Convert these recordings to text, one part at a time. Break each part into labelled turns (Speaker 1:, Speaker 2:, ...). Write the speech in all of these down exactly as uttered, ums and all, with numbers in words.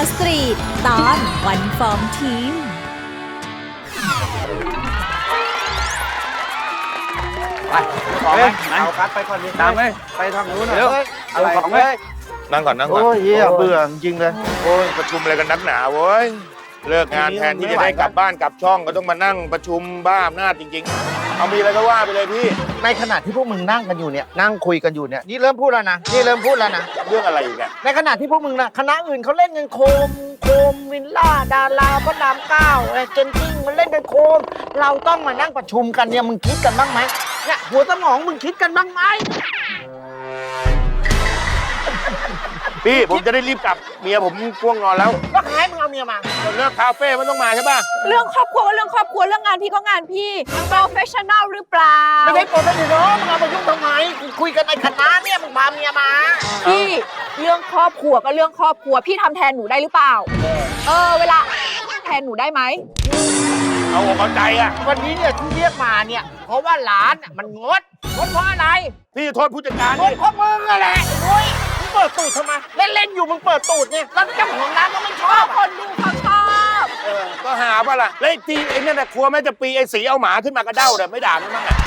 Speaker 1: สตรีทตอนวันฟอร์มทีม
Speaker 2: ไปขอไหมเอาคัดไปก่อนดิตามเลยไปทางนู้นเร็วเอาของเลย
Speaker 3: นั่งก่อนนั่งก่อน
Speaker 2: โอ้ยเหี้ยเบื่อจริงเลย
Speaker 3: โอ้ยประชุมอะไรกันนักหนาเว้ยเลิกงานแทนที่จะได้กลับบ้านกลับช่องก็ต้องมานั่งประชุมบ้าอำนาจจริงๆเอามีอะไรก็ว่าไปเลยพี่
Speaker 2: ในขณะที่พวกมึงนั่งกันอยู่เนี่ยนั่งคุยกันอยู่เนี่ยนี่เริ่มพูดแล้วนะนี่เริ่มพูดแล้วนะ
Speaker 3: เรื่องอะไรอีกอะ
Speaker 2: ในขณะที่พวกมึงนะคณะอื่นเขาเล่นกันโคมโคมวินล่าดาราพระรามเก้าไอ้เจนติ้งมันเล่นกันโคมเราต้องมานั่งประชุมกันเนี่ยมึงคิดกันบ้างไหมเนี่ยหัวสมองมึงคิดกันบ้างไหม
Speaker 3: พี่ผมจะได้รีบกลับเมียผมง่วงนอนแล้ว
Speaker 2: ก็ใครมึงเอาเมียมา
Speaker 3: เลิกคาเฟ่มันต้องมาใช่ป่ะ
Speaker 1: เรื่องครอบครัวก็เรื่องครอบครัวเรื่องงานพี่ก็งานพี่ professional หรือเปล่า
Speaker 2: ไม่ใช่โปรเฟชชั่นอลมึงเอามายุ่งทำไมคุยกันในคณะเนี่ยมึงพาเมียมา
Speaker 1: พี่เรื่องครอบครัวก็เรื่องครอบครัวพี่ทำแทนหนูได้หรือเปล่าเออเวลาแทนหนูได้ไหม
Speaker 3: เอาอกเอาใจอะ
Speaker 2: วันนี้เนี่ยที่เรียกมาเนี่ยเพราะว่าร้านมันงดงดเพราะอะไร
Speaker 3: พี่โทษผู้จัดการ
Speaker 2: งดเพราะมึงอะไรโอ้ยมึงเปิดตูดทำไมเล่นเล่นอยู่มึงเปิดตูดเนี่ยแล้วเจ้าของร้านก็ไม่ชอบ
Speaker 1: คนดูเขาชอบ
Speaker 3: เออก็หาป่ะล่ะแล้วไอ้ตีไอ้นั่นน่ะครัวแม่จะปีไอ้สีเอาหมาขึ้นมากระเด้าแต่ไม่ด่ามันมั้งอ่ะ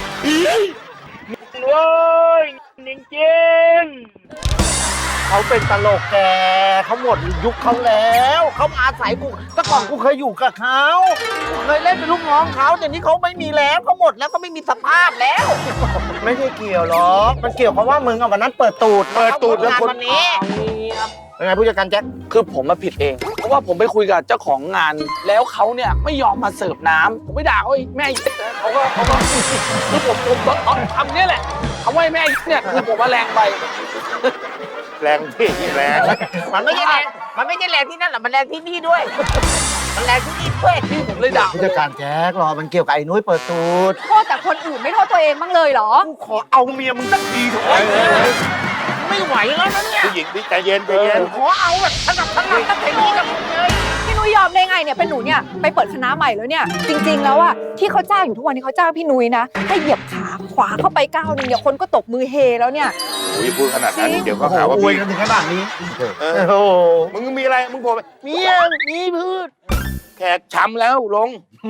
Speaker 2: เว้ยจริงจริงเขาเป็นตลกแกเขาหมดยุคเขาแล้วเขามาอาศัยกูแต่ก่อนกูเคยอยู่กับเขาเคยเล่นเป็นลูกน้องเขาแต่นี้เขาไม่มีแล้วเขาหมดแล้วก็ไม่มีสภาพแล้วไม่ใช่เกี่ยวหรอกมันเกี่ยวเพราะว่ามึงอ่ะวันนั้นเปิดตูด
Speaker 3: เปิดตูดแล้วคน
Speaker 2: วันนี้เป็นไงผู้จัดการแจ็ค
Speaker 4: คือผมมาผิดเองเพราะว่าผมไปคุยกับเจ้าของงานแล้วเขาเนี่ยไม่ยอมมาเสิร์ฟน้ำผมไม่ด่าเขาแม่เขาก็เขาก็คือผมผมเขาทำนี่แหละคำว่าแม่เนี่ยคือผมมาแรงไป
Speaker 3: แรงที่แรง
Speaker 2: มันไม่ใช่แรงมันไม่ใช่แรงที่นั่นหรอกมันแรงที่นี่ด้วยมันแรงที่นี่ด้วย
Speaker 4: ที่ผมเลยด่า
Speaker 2: ผู้จัดการแจ็ครอมันเกี่ยวกับไอ้นุ้ยเปิดตูด
Speaker 1: โทษแต่คนอื่นไม่โทษตัวเองบ้างเลยเหรอ
Speaker 2: กูขอเอาเมียมึงสักทีเถอะไม่ไหวแล้วนะเนี่ย
Speaker 3: ผู้หญิงพี่ใจเย็นใจเย็น
Speaker 2: ขอเอาแบบถนัดถนัดตั้งแต่นี้กับมึงเลย
Speaker 1: พี่นุ้ยยอมได้ไงเนี่ยเป็นหนูเนี่ยไปเปิดคณะใหม่แล้วเนี่ยจริงๆแล้วอะที่เขาจ้างอยู่ทุกวันนี้เขาจ้างพี่นุ้ยนะให้เหยียบขาขวาเข้าไปก้าวนึงเนี่ยคนก็ตบมือเฮแล้วเนี่ย
Speaker 3: อุ้ยพูดขนาดนั้นเดี๋ยวก็หาว่า
Speaker 2: อวยกันถึงขนาดนี้
Speaker 3: เออโอ้มึงมีอะไรมึงโผล่ไป
Speaker 2: เมียมีพืช
Speaker 3: แขกช้ำแล้วลง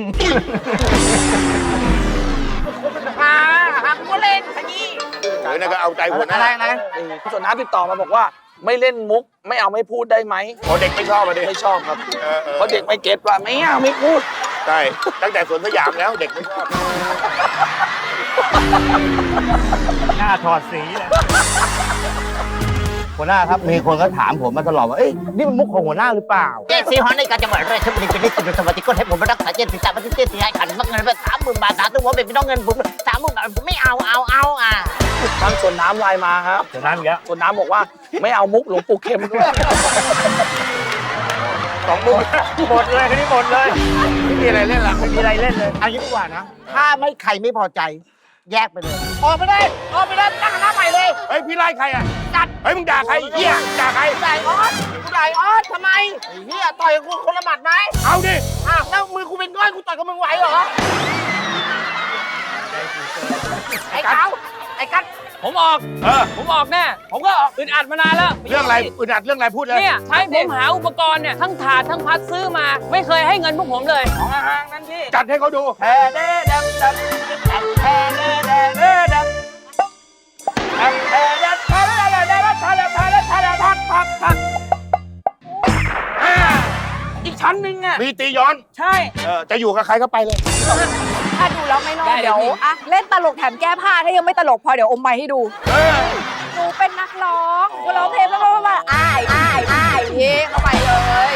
Speaker 2: หาหากูเล่นขยี้
Speaker 3: เฮ้ยนั่นก็เอาใจหัวหน้า
Speaker 2: อะไรอะไร
Speaker 4: ส่วนน้าติดต่อมาบอกว่าไม่เล่นมุกไม่เอาไม่พูดได้ไหม
Speaker 3: พอเด็กไม่ชอบมาดิ
Speaker 4: ไม่ชอบครับเพราะเด็กไม่เก็ตว่าไม่เอาไม่พูด
Speaker 3: ใช่ตั้งแต่สวนสยามแล้วเด็กไม่ชอบ
Speaker 2: หน้าถอดสีเลยหัวหน้าครับมีคนก็ถามผมมาตลอดว่าเอ้ยนี่มันมุกของหัวหน้าหรือเปล่าเจ๊ซีฮอนในการจังหวัดราชบุรีเป็นนิสิตสวัสดิการให้ผมมารักษาเจนสิตาปฏิเสธที่ให้ขันมักเงินไปสามหมื่นบาทสามตัวเป็นพี่น้องเงินผมสามหมื่นบาทผมไม่เอาเอาเอาอ่ะ
Speaker 4: ทางส่วนน้ำไลน์มาครับ
Speaker 2: ส่วนน้ำอีกแล้ว
Speaker 4: ส่วนน้ำบอกว่าไม่เอามุกหลวงปู่เข็มด้วย
Speaker 3: สองมุก
Speaker 2: หมดเลยคันนี้หมดเลย
Speaker 3: ไม่มีอะไรเล่นหรอก
Speaker 2: ไม่มีอะไรเล่นเลยเอางี้ดีกว่านะถ้าไม่ใครไม่พอใจแยกไปเลยออกไปเลยออกไปเลยตั้งคณะใหม่เลย
Speaker 3: เฮ้ยพี่ไล่ใครอ่ะ
Speaker 2: จัด
Speaker 3: เฮ้ยมึงด่าใครเหี้ยด่าใคร
Speaker 2: ด่าออสกูด่าออสทำไมเหี้ยต่อยกูคนละหมัดไหม
Speaker 3: เอาดิ
Speaker 2: อ้าวแล้วมือกูเป็นก้อยกูต่อยกับมึงไหวเหรอไอ้เขาไอ้กัด
Speaker 4: ผมออกเออผมออกแน่ผมก็อึดอัดมานานแล้ว
Speaker 3: เรื่องอะไรอึดอัดเรื่องอะไรพูดเลย
Speaker 4: เนี่ยใช้ผมหาอุปกรณ์เนี่ยทั้งถาดทั้งพัดซื้อมาไม่เคยให้เงินพวกผมเลยของห่างนั่นพี่
Speaker 3: จัดให้เขาดู
Speaker 2: แพ้เด้ดำดำแพ้เด้ดำเด้ดำแพ้เด้ดำแพ้เด้ดำแพ้เด้ดำแพ้เด้ดำแพ้เด้ดำแพ้เด้ดำพัดพัดพัดอีกชั้นหนึ่งอ่ะ
Speaker 3: มีตีย้อน
Speaker 4: ใช่
Speaker 3: เออจะอยู่กับใครก็ไปเลย
Speaker 1: ถ้าดูแล้วไม่รอดเดี๋ยวอะเล่นตลกแถมแก้ผ้าถ้ายังไม่ตลกพอเดี๋ยวอมไมค์ให้ดูหนูเป็นนักร้องกูร้องเพลงแล้วก็ว่าอ้ายอ้ายอ้ายเย่เข้าไปเลย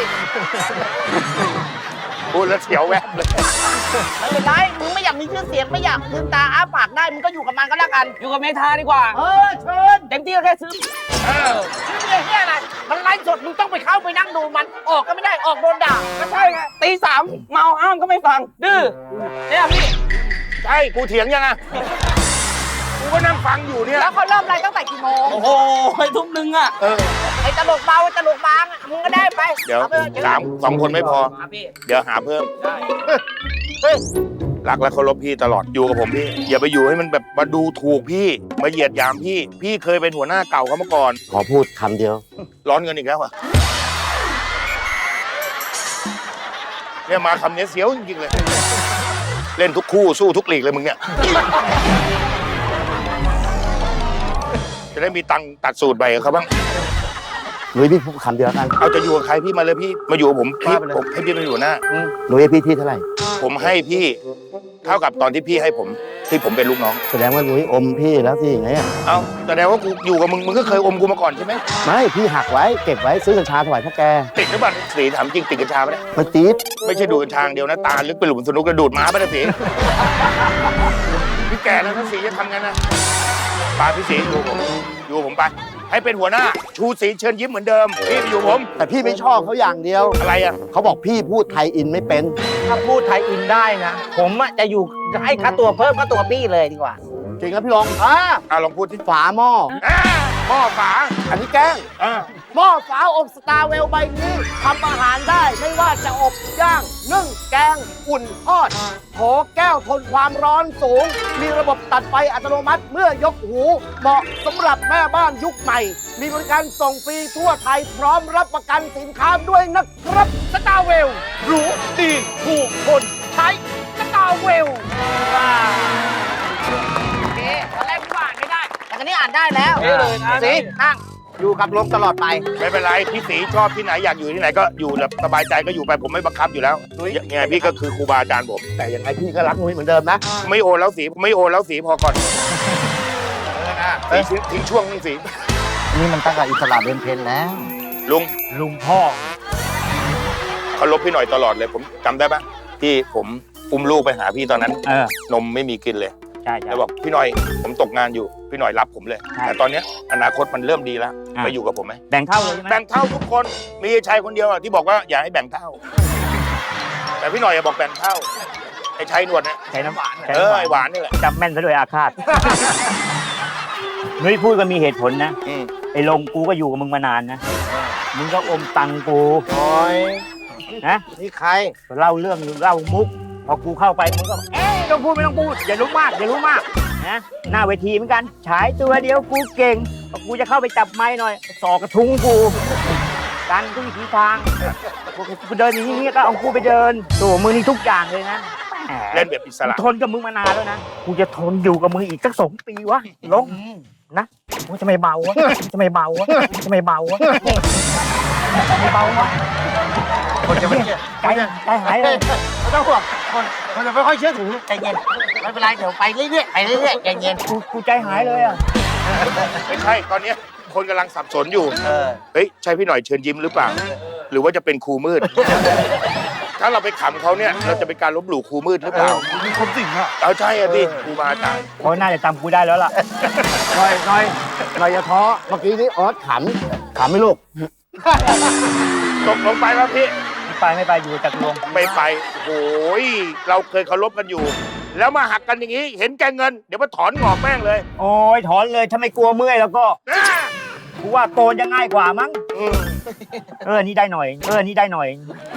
Speaker 3: พูดแล้วเสียวแวบเลย
Speaker 2: ไม่เป็นไรมึงไม่อยากมีชื่อเสียงไม่อยากลืมตาอ้าปากได้มึงก็อยู่กับมันก็แล้วกัน
Speaker 4: อยู่กับเมธาดีกว่า
Speaker 2: เออเชิญ
Speaker 4: เต็มที่ก็แค่ซื้อ
Speaker 2: เออชื่อเมียเฮียอะไรมันไลฟ์สดมึงต้องไปเข้าไปนั่งดูมันออกก็ไม่ได้ออกโดนด่า
Speaker 4: ก็ใช่ไงตีสามเมาอ้ามก็ไม่ฟังดื้อเนี่ยพี่
Speaker 3: ใช่กูเถียงยังไงกูก็นั่งฟังอยู่เนี่ย
Speaker 1: แล้วเขาเริ่มไลฟ์ตั้งแต่กี่โมง
Speaker 4: โอ้โหไปทุ่มนึงอ่ะ
Speaker 2: ไอ้ตลกเบาตลกบางอ่ะมึงก็ได้ไป
Speaker 3: เดี๋ยวสามสองคนไม่พอเดี๋ยวหาเพิ่มรักและเคารพพี่ตลอดอยู่กับผมพี่อย่าไปอยู่ให้มันแบบมาดูถูกพี่มาเหยียดหยามพี่พี่เคยเป็นหัวหน้าเก่าเขามาก่อน
Speaker 2: ขอพูดคำเดียว
Speaker 3: ร้อนเงินอีกแล้วอ่ะเนี่ยมาคำนี้เสียวจริงๆเลย เล่นทุกคู่สู้ทุกลีกเลยมึงเนี่ยจะได้มีตังค์ตัดสูตรใบกับเขาบ้าง
Speaker 2: หนุ่ยพี่พูดคำเดียวกัน
Speaker 3: เอาจะอยู่กับใครพี่มาเลยพี่มาอยู่กับผมพี่
Speaker 2: ว่าไปเลย
Speaker 3: ผมให้พี่มาอยู่หน้า
Speaker 2: หนุ่ยให้พี่ที่เท่าไหร่
Speaker 3: ผมให้พี่เท่ากับตอนที่พี่ให้ผมที่ผมเป็นลูกน้อง
Speaker 2: แสดงว่าหนุ่ยอมพี่แล้วสิอย่างเงี้ย
Speaker 3: เอาแสดงว่ากูอยู่กับมึงมึงก็เคยอมกูมาก่อนใช่ไหม
Speaker 2: ไม่พี่หักไว้เก็บไว้ซื้อกัญชาถวายพ่อแก
Speaker 3: ติดหรือเปล่าสีถามจริงติดกัญชาปะเนี่ย
Speaker 2: มันตีด
Speaker 3: ไม่ใช่ดูดกัญชาอย่างเดียวนะตาลึกไปหลุมสนุกกระดูดหมาปะเนี่ยสีพี่แก่แล้วนะสีจะทำงั้นนะปาพี่สีอยู่ผมอยู่ผมไปให้เป็นหัวหน้าชูสีเชิญยิ้มเหมือนเดิมพี่ไปอยู่ผม
Speaker 2: แต่พี่ไม่ชอบเขาอย่างเดียว
Speaker 3: อะไรอ่ะ
Speaker 2: เขาบอกพี่พูดไทยอินไม่เป็น
Speaker 5: ถ้าพูดไทยอินได้นะ ผมอะจะอยู่จะให้ค่าตัวเพิ่มค่าตัวพี่เลยดีกว่า
Speaker 2: จริงแล้วพี่ลองอ่า
Speaker 3: อ่ะลองพูดที่
Speaker 2: ฝาหม้อ
Speaker 3: อ่าหม้อฝา
Speaker 2: อันนี้แกล้ง
Speaker 3: อ่า
Speaker 2: หม้อฝาอบสตาร์เวลใบนี้ทำอาหารได้ไม่ว่าจะอบย่างนึ่งแกงอุ่นทอดโถแก้วทนความร้อนสูง มีระบบตัดไฟอัตโนมัติเมื่อยกหู เหมาะสำหรับแม่บ้านยุคใหม่ มีบริการส่งฟรีทั่วไทยพร้อมรับประกันสินค้าด้วยนะครับสตาร์เวลรู้ดีถูกคนใช้สตาร์เวล
Speaker 5: โอเคตอนแรกพี่ว่าอ่านไม่ได้ แต่ตอนนี้อ่านได้แล้ว
Speaker 4: เอ๊ะเลยนะ
Speaker 5: สินั่งอยู่กับลมตลอดไป
Speaker 3: ไม่เป็นไรพี่สีชอบที่ไหนอยากอยู่ที่ไหนก็อยู่แบบสบายใจก็อยู่ไปผมไม่บังคับอยู่แล้วยังไงพี่ก็คือครูบาอาจารย์ผม
Speaker 2: แต่ยังไงพี่ก็รักนุ้ยเหมือนเดิมนะ
Speaker 3: ไม่โอนแล้วสีไม่โอนแล้วสีพอก่อนสีทิ้งช่วงนึงสี
Speaker 2: นี่มันตั้งแต่อิสระเบนเพนแล้ว
Speaker 3: ลุง
Speaker 5: ลุงพ่อ
Speaker 3: เคารพพี่หน่อยตลอดเลยผมจำได้ปะที่ผมอุ้มลูกไปหาพี่ตอนนั้น
Speaker 5: เออน
Speaker 3: มไม่มีกินเลย
Speaker 5: ใช่ใช่
Speaker 3: แล้วบอกพี่หน่อยผมตกงานอยู่พี่หน่อยรับผมเลย
Speaker 5: ใช่
Speaker 3: แต่ตอนเนี้ยอนาคตมันเริ่มดีแล้ว
Speaker 5: อ่ะ
Speaker 3: ไปอยู่กับผมไหม
Speaker 5: แบ่งเท่าเลยใช่ไหม
Speaker 3: แบ่งเท่าทุกคนมีชายคนเดียวอะที่บอกว่าอย่าให้แบ่งเท่า แต่พี่หน่อยอย่าบอกแบ่งเท่าไอ้ชายหนวดเนี่ย
Speaker 5: ใช้น้ำหวาน
Speaker 3: เออไอ้หวานนี่แหละ
Speaker 5: จำแม่นซะด้วยอาฆาต นุ้ยพูดก็มีเหตุผลนะ
Speaker 3: อืม
Speaker 5: ไอ้ลงกูก็อยู่กับมึงมานานนะ มึงก็อมตังกู
Speaker 2: น้อย
Speaker 5: นะ
Speaker 2: นี่ใคร
Speaker 5: เล่าเรื่องเล่ามุก พอกูเข้าไปมึงก็เอ๊ะไม่ต้องพูดไม่ต้องพูด อย่ารู้มากอย่ารู้มากนะหน้าเวทีเหมือนกัน ฉายตัวเดียวกูเก่งพอกูจะเข้าไปจับไม้หน่อยสอกกระทุ้งกูกันทุกวิถีทางกูเดินอย่างนี้ก็เอากูไปเดินโอ้มึงนี่ทุกอย่างเลยนะแหม
Speaker 3: เล่นแบบอิสระ
Speaker 5: ทนกับมึงมานานแล้วนะ กูจะทนอยู่กับมึงอีกสักสองปีวะลงนะกูจะไม่เบาวะจะไม่เบาวะจะไม่เบาวะไม่เบาวะ
Speaker 2: คนจะไม่
Speaker 5: ใจใจหายเลย
Speaker 2: ไม่ต้องห่วงคนคนจะไม่ค่อยเชื่อถือใจเย็นไม่เป็นไรเดี๋ยวไปเรื่อยๆไปเรื่อยๆใจเย็น
Speaker 5: กูกูใจหายเลยอ่ะ
Speaker 3: ไม่ใช่ตอนเนี้ยคนกำลังสับสนอยู่
Speaker 2: เออ
Speaker 3: เฮ้ยใช่พี่หน่อยเชิญยิ้มหรือเปล่า หรือว่าจะเป็นครูมืด ถ้าเราไปขำเขาเนี่ยเราจะเป็นการลบหลู่ครูมืดหรือเปล่า
Speaker 2: มีคนสิงอ่ะ
Speaker 3: เอาใช่อะพี่ครูบาอาจารย์
Speaker 5: เขาน่าจะจำกูได้แล้วล่ะ
Speaker 2: หน่อยหน่อยหน่อยอย่าท้อเมื่อกี้นี้ออสขำขำไหมลูก
Speaker 3: ตกลงไปแล้วพี่
Speaker 5: ไปไม่ไปอยู่จากลง
Speaker 3: ไม่ไปโอ้ยเราเคยเคารพกันอยู่ แล้วมาหักกันอย่างนี้ เห็นแกเงิน เดี๋ยวมาถอนงอกแม่งเลย
Speaker 5: โอ้ยถอนเลยถ้าไม่กลัวเมื่อยแล้วก็
Speaker 3: อ่า
Speaker 5: กูว่าโกนจะง่ายกว่ามั้ง
Speaker 3: อืม
Speaker 5: เออนี่ได้หน่อย เออนี่ได้หน่อย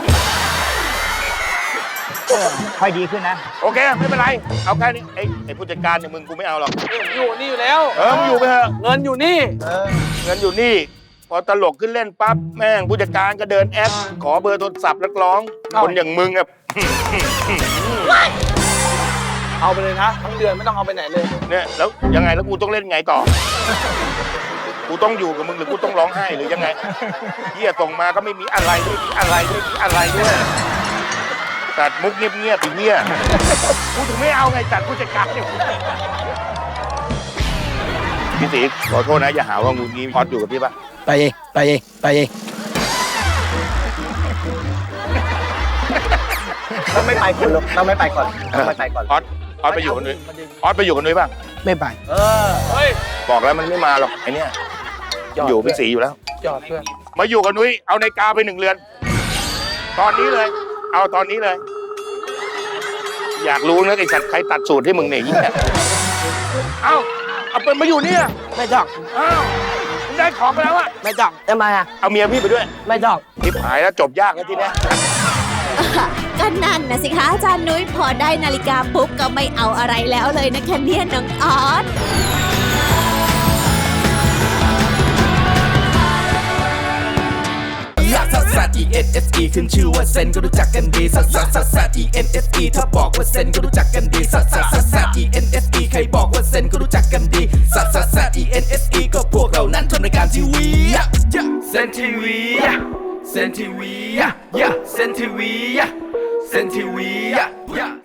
Speaker 5: เออค่อยดีขึ้นนะ
Speaker 3: โอเค ไม่เป็นไร เอาแค่นี้ไอ้ไอ้ผู้จัดการเนี่ยมึงกูไม่เอาหรอก
Speaker 4: อยู่นี่อยู่แล้ว
Speaker 3: เออมึงอยู่ไปเถอะ
Speaker 4: เงินอยู่นี่
Speaker 3: เงินอยู่นี่ พอตลกขึ้นเล่นปั๊บแม่งผู้จัดการก็เดินแอป ขอเบอร์โทรศัพท์นักร้อง
Speaker 4: เอ้า
Speaker 3: คนอย่างมึงอะ
Speaker 4: เอาไปเลยนะ ทั้งเดือนไม่ต้องเอาไปไหนเลย
Speaker 3: เนี่ยแล้วยังไงแล้วกูต้องเล่นไงต่อ กูต้องอยู่กับมึงหรือกูต้องร้องไห้หรือยังไงเฮียส่งมาก็ไม่มีอะไรไม่มีอะไรไม่มีอะไรด้วยตัดมุกเงียบๆอีเฮียกูถึงไม่เอาไงจัดผู้จัดการเนี่ยพี่ตีขอโทษนะอย่าหาว่างูงี้พอดอยู่กับพี่ปะ
Speaker 4: ไปเองไปเองไปเอง
Speaker 2: ต้องไม่ไปก่อนลูกต้องไม่ไปก่อนต้องไม่ไปก่อน
Speaker 3: ออสออสไปอยู่กับนุ้ยออสไปอยู่กับนุ้ยป่ะ
Speaker 4: ไม่ไป
Speaker 2: เออ
Speaker 4: เฮ้ย
Speaker 3: บอกแล้วมันไม่มาหรอกไอเนี้ยอยู่พี่สีอยู่แล้ว
Speaker 4: จอดเพื่อน
Speaker 3: มาอยู่กับนุ้ยเอานาฬิกาไปหนึ่งเรือน ตอนนี้เลย เอาตอนนี้เลย อยากรู้นะไอ้สัตว์ใครตัดสูตรให้มึงเนี่ยยิ่งเนี่ยเอาเอาเป็นมาอยู่เนี่ย
Speaker 5: ไม่ต้อง
Speaker 3: อ้าวมึงได้ของไปแล้วอะ
Speaker 5: ไม่ต้องทำไมอ่ะ
Speaker 3: เอาเมียพี่ไปด้วย
Speaker 5: ไม่ต้อง
Speaker 3: ทิพหายแล้วจบยากแล้วทีเนี้ย
Speaker 6: ก็นั่นนะสิคะอาจารย์นุ้ยพอได้นาฬิกาปุ๊บก็ไม่เอาอะไรแล้วเลยนะคะเนี่ยน้องออส
Speaker 7: ลักซัสซัส E E N S E ขึ้นชื่อว่าเซนก็รู้จักกันดีซัสซัสซัสซัส E N S E ถ้าบอกว่าเซนก็รู้จักกันดีซัสซัสซัสซัส E N S E ใครบอกว่าเซนก็รู้จักกันดีซัสซัสซัส E N S E ก็พวกเรานั้นทำรายการทีวีเซนทีวีเซนทีวีเซนทีวีเซนทีวี